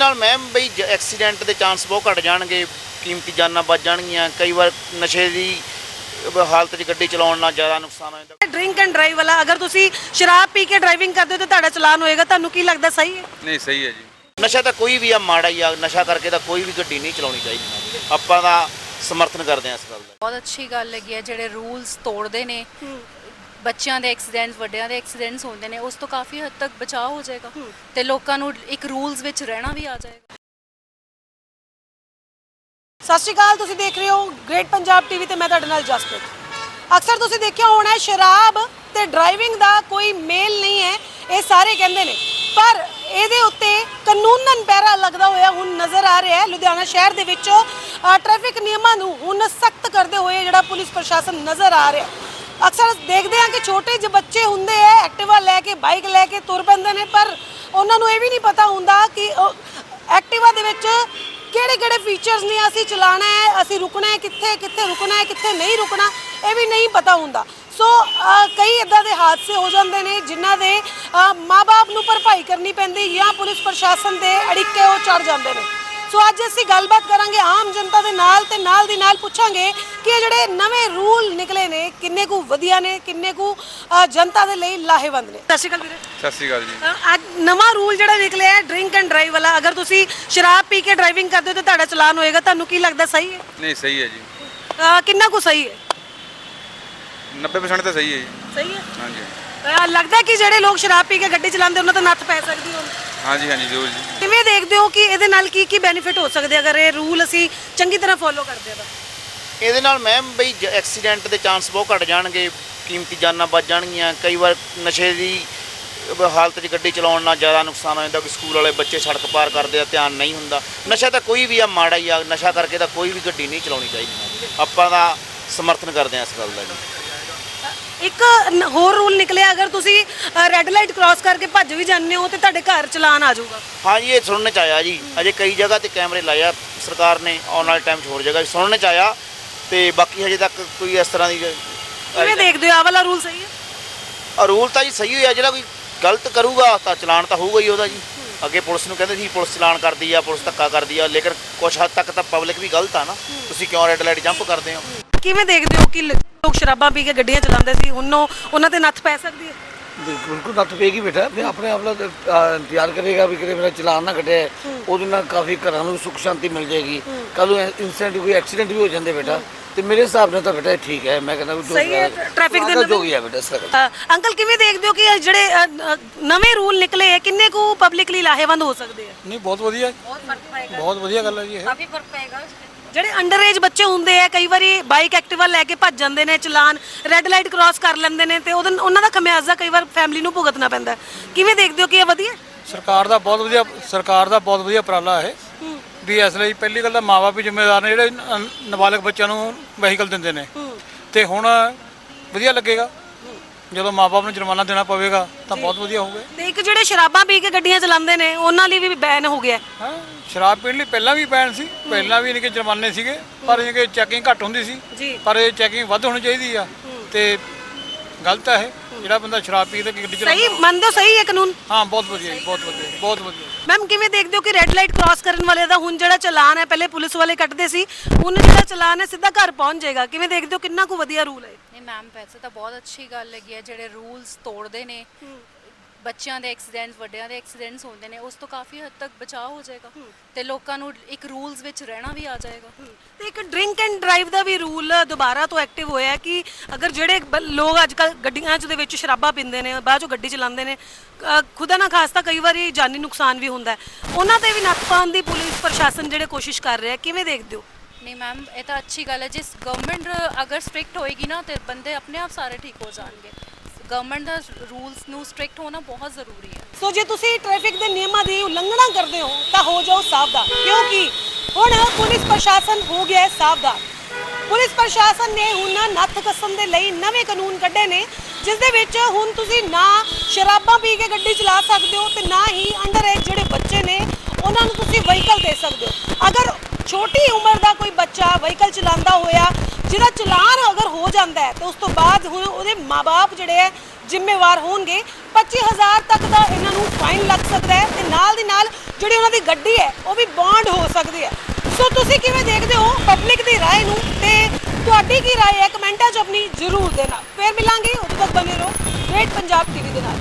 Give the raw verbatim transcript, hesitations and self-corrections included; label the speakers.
Speaker 1: ਨਾਲ ਮੈਮ ਬਈ ਐਕਸੀਡੈਂਟ ਦੇ ਚਾਂਸ ਬਹੁਤ ਘਟ ਜਾਣਗੇ, ਕੀਮਤੀ ਜਾਨਾਂ ਬਚ ਜਾਣਗੀਆਂ। ਕਈ ਵਾਰ ਨਸ਼ੇ ਦੀ ਹਾਲਤ 'ਚ ਗੱਡੀ ਚਲਾਉਣ ਨਾਲ ਜ਼ਿਆਦਾ ਨੁਕਸਾਨ ਹੋ ਜਾਂਦਾ।
Speaker 2: ਡਰਿੰਕ ਐਂਡ ਡਰਾਈਵ ਵਾਲਾ ਅਗਰ ਤੁਸੀਂ ਸ਼ਰਾਬ ਪੀ ਕੇ ਡਰਾਈਵਿੰਗ ਕਰਦੇ ਹੋ ਤਾਂ ਤੁਹਾਡਾ ਚਲਾਨ ਹੋਏਗਾ, ਤੁਹਾਨੂੰ ਕੀ ਲੱਗਦਾ ਸਹੀ ਹੈ?
Speaker 3: ਨਹੀਂ ਸਹੀ ਹੈ ਜੀ।
Speaker 1: ਨਸ਼ਾ ਤਾਂ ਕੋਈ ਵੀ ਆ ਮਾੜਾ ਹੀ ਆ, ਨਸ਼ਾ ਕਰਕੇ ਤਾਂ ਕੋਈ ਵੀ ਗੱਡੀ ਨਹੀਂ ਚਲਾਉਣੀ ਚਾਹੀਦੀ। ਆਪਾਂ ਦਾ ਸਮਰਥਨ ਕਰਦੇ ਹਾਂ ਇਸ ਗੱਲ ਦਾ।
Speaker 4: ਬਹੁਤ ਅੱਛੀ ਗੱਲ ਹੈਗੀ ਹੈ ਜਿਹੜੇ ਰੂਲਸ ਤੋੜਦੇ ਨੇ, ਬੱਚਿਆਂ ਦੇ ਐਕਸੀਡੈਂਟਸ ਵੱਡਿਆਂ ਦੇ ਐਕਸੀਡੈਂਟਸ ਹੁੰਦੇ ਨੇ, ਉਸ ਤੋਂ ਕਾਫੀ ਹੱਦ ਤੱਕ ਬਚਾਅ ਹੋ ਜਾਏਗਾ ਤੇ ਲੋਕਾਂ ਨੂੰ ਇੱਕ ਰੂਲਸ ਵਿੱਚ ਰਹਿਣਾ ਵੀ ਆ ਜਾਏਗਾ।
Speaker 2: ਸਤਿ ਸ਼੍ਰੀ ਅਕਾਲ, ਤੁਸੀਂ ਦੇਖ ਰਹੇ ਹੋ ਗ੍ਰੇਟ ਪੰਜਾਬ ਟੀਵੀ ਤੇ ਮੈਂ ਤੁਹਾਡੇ ਨਾਲ ਜਸਪ੍ਰੀਤ। ਅਕਸਰ ਤੁਸੀਂ ਦੇਖਿਆ ਹੋਣਾ ਸ਼ਰਾਬ ਤੇ ਡਰਾਈਵਿੰਗ ਦਾ ਕੋਈ ਮੇਲ ਨਹੀਂ ਹੈ, ਇਹ ਸਾਰੇ ਕਹਿੰਦੇ ਨੇ, ਪਰ ਇਹਦੇ ਉੱਤੇ ਕਾਨੂੰਨਨ ਪਹਿਰਾ ਲੱਗਦਾ ਹੋਇਆ ਹੁਣ ਨਜ਼ਰ ਆ ਰਿਹਾ ਹੈ। ਲੁਧਿਆਣਾ ਸ਼ਹਿਰ ਦੇ ਵਿੱਚ ਟ੍ਰੈਫਿਕ ਨਿਯਮਾਂ ਨੂੰ ਹੁਣ ਸਖਤ ਕਰਦੇ ਹੋਏ ਜਿਹੜਾ ਪੁਲਿਸ ਪ੍ਰਸ਼ਾਸਨ ਨਜ਼ਰ ਆ ਰਿਹਾ। ਅਕਸਰ ਦੇਖਦੇ ਹਾਂ ਕਿ ਛੋਟੇ ਜਿਹੇ ਬੱਚੇ ਹੁੰਦੇ ਐ ਐਕਟਿਵਾ ਲੈ ਕੇ ਬਾਈਕ ਲੈ ਕੇ ਤੁਰ ਪੈਂਦੇ ਨੇ, ਪਰ ਉਹਨਾਂ ਨੂੰ ਇਹ ਵੀ ਨਹੀਂ ਪਤਾ ਹੁੰਦਾ ਕਿ ਐਕਟਿਵਾ ਦੇ ਵਿੱਚ ਕਿਹੜੇ ਕਿਹੜੇ ਫੀਚਰਸ ਨੇ, ਅਸੀਂ ਚਲਾਣਾ ਹੈ, ਅਸੀਂ ਰੁਕਣਾ ਹੈ ਕਿੱਥੇ, ਕਿੱਥੇ ਰੁਕਣਾ ਹੈ, ਕਿੱਥੇ ਨਹੀਂ ਰੁਕਣਾ, ਇਹ ਵੀ ਨਹੀਂ ਪਤਾ ਹੁੰਦਾ। ਸੋ ਕਈ ਇਦਾਂ ਦੇ ਹਾਦਸੇ ਹੋ ਜਾਂਦੇ ਨੇ ਜਿਨ੍ਹਾਂ ਦੇ ਮਾਂ-ਬਾਪ ਨੂੰ ਭਰਪਾਈ ਕਰਨੀ ਪੈਂਦੀ ਜਾਂ ਪੁਲਿਸ ਪ੍ਰਸ਼ਾਸਨ ਦੇ ਅੜਿੱਕੇ ਉਹ ਚੜ ਜਾਂਦੇ ਨੇ। ਸੋ ਅੱਜ ਅਸੀਂ ਗੱਲਬਾਤ ਕਰਾਂਗੇ ਆਮ ਜਨਤਾ ਦੇ ਨਾਲ ਤੇ ਨਾਲ ਦੀ ਨਾਲ ਪੁੱਛਾਂਗੇ ਕਿ ਇਹ ਜਿਹੜੇ ਨਵੇਂ ਰੂਲ ਨਿਕਲੇ ਨੇ ਕਿੰਨੇ ਕੁ ਵਧੀਆ ਨੇ, ਕਿੰਨੇ ਕੁ ਜਨਤਾ ਦੇ ਲਈ ਲਾਹੇਵੰਦ ਨੇ। ਸਤਿ ਸ਼੍ਰੀ ਅਕਾਲ ਵੀਰੇ।
Speaker 3: ਸਤਿ ਸ਼੍ਰੀ ਅਕਾਲ ਜੀ।
Speaker 2: ਅੱਜ ਨਵਾਂ ਰੂਲ ਜਿਹੜਾ ਨਿਕਲਿਆ ਹੈ ਡਰਿੰਕ ਐਂਡ ਡਰਾਈਵ ਵਾਲਾ, ਅਗਰ ਤੁਸੀਂ ਸ਼ਰਾਬ ਪੀ ਕੇ ਡਰਾਈਵਿੰਗ ਕਰਦੇ ਹੋ ਤਾਂ ਤੁਹਾਡਾ ਚਲਾਨ ਹੋਏਗਾ, ਤੁਹਾਨੂੰ ਕੀ ਲੱਗਦਾ ਸਹੀ ਹੈ?
Speaker 3: ਨਹੀਂ ਸਹੀ ਹੈ ਜੀ।
Speaker 2: ਕਿੰਨਾ ਕੁ ਸਹੀ ਹੈ?
Speaker 3: ਨੱਬੇ ਪਰਸੈਂਟ ਤਾਂ ਸਹੀ ਹੈ ਜੀ।
Speaker 2: ਸਹੀ ਹੈ।
Speaker 3: ਹਾਂਜੀ।
Speaker 2: ਲੱਗਦਾ ਕਿ ਜਿਹੜੇ ਲੋਕ ਸ਼ਰਾਬ ਪੀ ਕੇ ਗੱਡੀ ਚਲਾਉਂਦੇ ਉਹਨਾਂ ਤੋਂ ਨੱਥ ਪੈ ਸਕਦੀ ਹੋਣ?
Speaker 3: ਹਾਂਜੀ ਹਾਂਜੀ ਜ਼ਰੂਰ ਜੀ।
Speaker 2: ਕਿਵੇਂ ਦੇਖਦੇ ਹੋ ਕਿ ਇਹਦੇ ਨਾਲ ਕੀ ਕੀ ਬੈਨੀਫਿਟ ਹੋ ਸਕਦੇ ਅਗਰ ਇਹ ਰੂਲ ਅਸੀਂ ਚੰਗੀ ਤਰ੍ਹਾਂ ਫੋਲੋ ਕਰਦੇ ਹਾਂ ਤਾਂ?
Speaker 1: ਇਹਦੇ ਨਾਲ ਮੈਮ ਬਈ ਐਕਸੀਡੈਂਟ ਦੇ ਚਾਂਸ ਬਹੁਤ ਘਟ ਜਾਣਗੇ, ਕੀਮਤੀ ਜਾਨਾਂ ਬਚ ਜਾਣਗੀਆਂ। ਕਈ ਵਾਰ ਨਸ਼ੇ ਦੀ ਹਾਲਤ 'ਚ ਗੱਡੀ ਚਲਾਉਣ ਨਾਲ ਜ਼ਿਆਦਾ ਨੁਕਸਾਨ ਹੋ ਜਾਂਦਾ ਕਿ ਸਕੂਲ ਵਾਲੇ ਬੱਚੇ ਸੜਕ ਪਾਰ ਕਰਦੇ ਆ, ਧਿਆਨ ਨਹੀਂ ਹੁੰਦਾ। ਨਸ਼ਾ ਤਾਂ ਕੋਈ ਵੀ ਆ ਮਾੜਾ ਹੀ ਆ, ਨਸ਼ਾ ਕਰਕੇ ਤਾਂ ਕੋਈ ਵੀ ਗੱਡੀ ਨਹੀਂ ਚਲਾਉਣੀ ਚਾਹੀਦੀ। ਆਪਾਂ ਦਾ ਸਮਰਥਨ ਕਰਦੇ ਹਾਂ ਇਸ ਗੱਲ ਦਾ ਜੀ।
Speaker 2: ਇੱਕ ਹੋਰ ਰੂਲ ਨਿਕਲਿਆ, ਅਗਰ ਤੁਸੀਂ ਰੈੱਡ ਲਾਈਟ ਕ੍ਰਾਸ ਕਰਕੇ ਭੱਜ ਵੀ ਜਾਂਦੇ ਹੋ ਤੇ ਤੁਹਾਡੇ ਘਰ ਚਲਾਨ ਆ ਜਾਊਗਾ।
Speaker 1: ਹਾਂ ਜੀ, ਇਹ ਸੁਣਨ 'ਚ ਆਇਆ ਜੀ। ਅਜੇ ਕਈ ਜਗ੍ਹਾ ਤੇ ਕੈਮਰੇ ਲਾਏ ਆ ਸਰਕਾਰ ਨੇ, ਆਉਣ ਵਾਲੇ ਟਾਈਮ 'ਚ ਹੋਰ ਜਗ੍ਹਾ ਸੁਣਨ 'ਚ ਆਇਆ, ਤੇ ਬਾਕੀ ਹਜੇ ਤੱਕ ਕੋਈ ਇਸ ਤਰ੍ਹਾਂ ਦੀ।
Speaker 2: ਕਿਵੇਂ ਦੇਖਦੇ ਹੋ, ਆਹ ਵਾਲਾ ਰੂਲ ਸਹੀ ਹੈ?
Speaker 1: ਰੂਲ ਤਾਂ ਜੀ ਸਹੀ ਹੋਇਆ, ਜਿਹੜਾ ਕੋਈ ਗਲਤ ਕਰੂਗਾ ਤਾਂ ਚਲਾਨ ਤਾਂ ਹੋਊਗਾ ਹੀ ਉਹਦਾ ਜੀ। ਅੱਗੇ ਪੁਲਿਸ ਨੂੰ ਕਹਿੰਦੇ ਸੀ ਪੁਲਿਸ ਚਲਾਨ ਕਰਦੀ ਆ, ਪੁਲਿਸ ਧੱਕਾ ਕਰਦੀ ਆ, ਲੇਕਿਨ ਕੁਛ ਹੱਦ ਤੱਕ ਤਾਂ ਪਬਲਿਕ ਵੀ ਗਲਤ ਆ ਨਾ। ਤੁਸੀਂ ਕਿਉਂ ਰੈੱਡ ਲਾਈਟ ਜੰਪ ਕਰਦੇ ਹੋ?
Speaker 2: ਕਿਵੇਂ ਦੇਖਦੇ ਹੋ ਕਿ ਲੋਕ ਸ਼ਰਾਬਾਂ ਪੀ ਕੇ ਗੱਡੀਆਂ ਚਲਾਉਂਦੇ ਸੀ, ਹੁਣ ਉਹਨਾਂ ਤੇ ਨੱਥ ਪੈ ਸਕਦੀ ਹੈ?
Speaker 5: ਬਿਲਕੁਲ ਨੱਥ ਪਏਗੀ ਬੇਟਾ। ਮੈਂ ਆਪਣੇ ਆਪ ਨਾਲ ਇੰਤਜ਼ਾਰ ਕਰੇਗਾ ਵੀ ਕਿਤੇ ਮੇਰਾ ਚਲਾਨ ਨਾ ਕੱਟੇ, ਉਹਦੇ ਨਾਲ ਕਾਫੀ ਘਰਾਂ ਨੂੰ ਸੁੱਖ ਸ਼ਾਂਤੀ ਮਿਲ ਜਾਏਗੀ। ਕੱਲ ਨੂੰ ਇਨਸੀਡੈਂਟ ਕੋਈ ਐਕਸੀਡੈਂਟ ਵੀ ਹੋ ਜਾਂਦੇ ਬੇਟਾ, ਤੇ ਮੇਰੇ ਹਿਸਾਬ ਨਾਲ ਤਾਂ ਬੇਟਾ ਠੀਕ ਹੈ। ਮੈਂ ਕਹਿੰਦਾ
Speaker 2: ਸਹੀ ਹੈ, ਟ੍ਰੈਫਿਕ ਦੇ
Speaker 5: ਜੋ ਹੀ ਹੈ ਬੇਟਾ ਸਰ।
Speaker 2: ਅੰਕਲ ਕਿਵੇਂ ਦੇਖਦੇ ਹੋ ਕਿ ਜਿਹੜੇ ਨਵੇਂ ਰੂਲ ਨਿਕਲੇ ਹੈ ਕਿੰਨੇ ਕੁ ਪਬਲਿਕਲੀ ਲਾਹੇਵੰਦ ਹੋ ਸਕਦੇ ਆ?
Speaker 6: ਨਹੀਂ ਬਹੁਤ ਵਧੀਆ, ਬਹੁਤ ਵਧੀਆ ਗੱਲ ਹੈ ਜੀ। ਇਹ
Speaker 2: ਕਾਫੀ ਫਰਕ ਪਏਗਾ। ਜਿਹੜੇ ਅੰਡਰ ਏਜ ਬੱਚੇ ਹੁੰਦੇ ਆ ਕਈ ਵਾਰੀ ਬਾਈਕ ਐਕਟਿਵਾ ਲੈ ਕੇ ਭੱਜ ਜਾਂਦੇ ਨੇ, ਚਲਾਨ ਰੈੱਡ ਲਾਈਟ ਕ੍ਰਾਸ ਕਰ ਲੈਂਦੇ ਨੇ ਤੇ ਉਹਦੇ ਉਹਨਾਂ ਦਾ ਖਮਿਆਜ਼ਾ ਕਈ ਵਾਰ ਫੈਮਿਲੀ ਨੂੰ ਭੁਗਤਣਾ ਪੈਂਦਾ। ਕਿਵੇਂ ਦੇਖਦੇ ਹੋ ਕਿ ਇਹ ਵਧੀਆ?
Speaker 6: ਸਰਕਾਰ ਦਾ ਬਹੁਤ ਵਧੀਆ ਸਰਕਾਰ ਦਾ ਬਹੁਤ ਵਧੀਆ ਉਪਰਾਲਾ ਹੈ ਵੀ। ਇਸ ਲਈ ਪਹਿਲੀ ਗੱਲ ਤਾਂ ਮਾਂ-ਬਾਪ ਵੀ ਜ਼ਿੰਮੇਵਾਰ ਨੇ ਜਿਹੜੇ ਨਾਬਾਲਗ ਬੱਚਿਆਂ ਨੂੰ ਵਹੀਕਲ ਦਿੰਦੇ ਨੇ, ਤੇ ਹੁਣ ਵਧੀਆ ਲੱਗੇਗਾ ਜਦੋਂ ਮਾਂ-ਬਾਪ ਨੂੰ ਜੁਰਮਾਨਾ ਦੇਣਾ ਪਵੇਗਾ ਤਾਂ ਬਹੁਤ ਵਧੀਆ ਹੋਊਗਾ।
Speaker 2: ਤੇ ਇੱਕ ਜਿਹੜੇ ਸ਼ਰਾਬਾਂ ਪੀ ਕੇ ਗੱਡੀਆਂ ਚਲਾਉਂਦੇ ਨੇ ਉਹਨਾਂ ਲਈ ਵੀ ਬੈਨ ਹੋ ਗਿਆ।
Speaker 6: ਹਾਂ, ਸ਼ਰਾਬ ਪੀਣ ਲਈ ਪਹਿਲਾਂ ਵੀ ਬੈਨ ਸੀ, ਪਹਿਲਾਂ ਵੀ ਇਨਕੇ ਜੁਰਮਾਨੇ ਸੀਗੇ, ਪਰ ਇਨਕੇ ਚੈਕਿੰਗ ਘੱਟ ਹੁੰਦੀ ਸੀ, ਪਰ ਇਹ ਚੈਕਿੰਗ ਵੱਧ ਹੋਣੀ ਚਾਹੀਦੀ ਆ। ਤੇ ਗਲਤ ਹੈ ਜਿਹੜਾ ਬੰਦਾ ਸ਼ਰਾਬ ਪੀ ਕੇ ਗੱਡੀ ਚਲਾਉਂਦਾ।
Speaker 2: ਸਹੀ ਮੰਨਦੇ ਹੋ? ਸਹੀ ਹੈ ਕਾਨੂੰਨ?
Speaker 6: ਹਾਂ ਬਹੁਤ ਵਧੀਆ ਜੀ, ਬਹੁਤ ਵਧੀਆ, ਬਹੁਤ ਵਧੀਆ।
Speaker 2: ਮੈਮ ਕਿਵੇਂ ਦੇਖਦੇ ਹੋ ਕਿ ਰੈੱਡ ਲਾਈਟ ਕ੍ਰਾਸ ਕਰਨ ਵਾਲੇ ਦਾ ਹੁਣ ਜਿਹੜਾ ਚਲਾਨ ਹੈ, ਪਹਿਲੇ ਪੁਲਿਸ ਵਾਲੇ ਕੱਟਦੇ ਸੀ, ਹੁਣ ਜਿਹੜਾ ਚਲਾਨ ਹੈ ਸਿੱਧਾ ਘਰ ਪਹੁੰਚ ਜਾਏਗਾ। ਕਿਵੇਂ ਦੇਖਦੇ ਹੋ, ਕਿੰਨਾ ਕੁ ਵਧੀਆ ਰੂਲ ਹੈ?
Speaker 4: ਨਹੀਂ ਮੈਮ, ਵੈਸੇ ਤਾਂ ਬਹੁਤ ਅੱਛੀ ਗੱਲ ਹੈਗੀ ਹੈ ਜਿਹੜੇ ਰੂਲਸ ਤੋੜਦੇ ਨੇ, ਬੱਚਿਆਂ ਦੇ ਐਕਸੀਡੈਂਟਸ ਵੱਡਿਆਂ ਦੇ ਐਕਸੀਡੈਂਟਸ ਹੁੰਦੇ ਨੇ, ਉਸ ਤੋਂ ਕਾਫੀ ਹੱਦ ਤੱਕ ਬਚਾਅ ਹੋ ਜਾਏਗਾ ਤੇ ਲੋਕਾਂ ਨੂੰ ਇੱਕ ਰੂਲਸ ਵਿੱਚ ਰਹਿਣਾ ਵੀ ਆ ਜਾਏਗਾ।
Speaker 2: ਤੇ ਇੱਕ ਡਰਿੰਕ ਐਂਡ ਡਰਾਈਵ ਦਾ ਵੀ ਰੂਲ ਦੁਬਾਰਾ ਤੋਂ ਐਕਟਿਵ ਹੋਇਆ ਕਿ ਅਗਰ ਜਿਹੜੇ ਲੋਕ ਅੱਜ ਕੱਲ੍ਹ ਗੱਡੀਆਂ 'ਚ ਦੇ ਵਿੱਚ ਸ਼ਰਾਬਾਂ ਪੀਂਦੇ ਨੇ, ਬਾਅਦ 'ਚੋਂ ਗੱਡੀ ਚਲਾਉਂਦੇ ਨੇ, ਖੁਦਾ ਨਾ ਖਾਸਤਾ ਕਈ ਵਾਰੀ ਜਾਨੀ ਨੁਕਸਾਨ ਵੀ ਹੁੰਦਾ, ਉਹਨਾਂ ਤੇ ਵੀ ਨੱਥ ਪਾਉਣ ਦੀ ਪੁਲਿਸ ਪ੍ਰਸ਼ਾਸਨ ਜਿਹੜੇ ਕੋਸ਼ਿਸ਼ ਕਰ ਰਿਹਾ, ਕਿਵੇਂ ਦੇਖਦੇ ਹੋ?
Speaker 4: ਨਹੀਂ ਮੈਮ, ਇਹ ਤਾਂ ਅੱਛੀ ਗੱਲ ਹੈ। ਜਿਸ ਗਵਰਨਮੈਂਟ ਅਗਰ ਸਟ੍ਰਿਕਟ ਹੋਏਗੀ ਨਾ ਤੇ ਬੰਦੇ ਆਪਣੇ ਆਪ ਸਾਰੇ ਠੀਕ ਹੋ ਜਾਣਗੇ। ਗਵਰਨਮੈਂਟ ਦਾ ਰੂਲਸ ਨੂੰ ਸਟ੍ਰਿਕਟ ਹੋਣਾ ਬਹੁਤ ਜ਼ਰੂਰੀ ਹੈ।
Speaker 2: ਸੋ ਜੇ ਤੁਸੀਂ ਟ੍ਰੈਫਿਕ ਦੇ ਨਿਯਮਾਂ ਦੀ ਉਲੰਘਣਾ ਕਰਦੇ ਹੋ ਤਾਂ ਹੋ ਜਾਓ ਸਾਵਧਾਨ, ਕਿਉਂਕਿ ਹੁਣ ਪੁਲਿਸ ਪ੍ਰਸ਼ਾਸਨ ਹੋ ਗਿਆ ਸਾਵਧਾਨ। ਪੁਲਿਸ ਪ੍ਰਸ਼ਾਸਨ ਨੇ ਹੁਣ ਨੱਥ ਕੱਸਣ ਦੇ ਲਈ ਨਵੇਂ ਕਾਨੂੰਨ ਕੱਢੇ ਨੇ, ਜਿਸ ਦੇ ਵਿੱਚ ਹੁਣ ਤੁਸੀਂ ਨਾ ਸ਼ਰਾਬਾਂ ਪੀ ਕੇ ਗੱਡੀ ਚਲਾ ਸਕਦੇ ਹੋ ਤੇ ਨਾ ਹੀ ਅੰਡਰ ਏਜ ਜਿਹੜੇ ਬੱਚੇ ਨੇ ਉਹਨਾਂ ਨੂੰ ਤੁਸੀਂ ਵਹੀਕਲ ਦੇ ਸਕਦੇ ਹੋ। ਅਗਰ ਛੋਟੀ ਉਮਰ ਦਾ ਕੋਈ ਬੱਚਾ ਵਹੀਕਲ ਚਲਾਉਂਦਾ ਹੋਇਆ ਜਿਹਦਾ ਚਲਾਨ ਅਗਰ ਹੋ ਜਾਂਦਾ ਹੈ ਤੇ ਉਸ ਤੋਂ ਬਾਅਦ ਹੁਣ ਉਹਦੇ ਮਾਪੇ ਜਿਹੜੇ ਹੈ ਜ਼ਿੰਮੇਵਾਰ ਹੋਣਗੇ। ਪੱਚੀ ਹਜ਼ਾਰ ਤੱਕ ਦਾ ਇਹਨਾਂ ਨੂੰ ਫਾਈਨ ਲੱਗ ਸਕਦਾ ਹੈ ਤੇ ਨਾਲ ਦੀ ਨਾਲ ਜਿਹੜੀ ਉਹਨਾਂ ਦੀ ਗੱਡੀ ਹੈ ਉਹ ਵੀ ਬੌਂਡ ਹੋ ਸਕਦੀ ਹੈ। ਸੋ ਤੁਸੀਂ ਕਿਵੇਂ ਦੇਖਦੇ ਹੋ ਪਬਲਿਕ ਦੀ ਰਾਏ ਨੂੰ ਤੇ ਤੁਹਾਡੀ ਕੀ ਰਾਏ ਹੈ ਕਮੈਂਟਾਂ 'ਚ ਆਪਣੀ ਜ਼ਰੂਰ ਦੇਣਾ। ਫਿਰ ਮਿਲਾਂਗੇ, ਉਦੋਂ ਤੱਕ ਬਣੇ ਰਹੋ ਗ੍ਰੇਟ ਪੰਜਾਬ ਟੀਵੀ ਦੇ ਨਾਲ।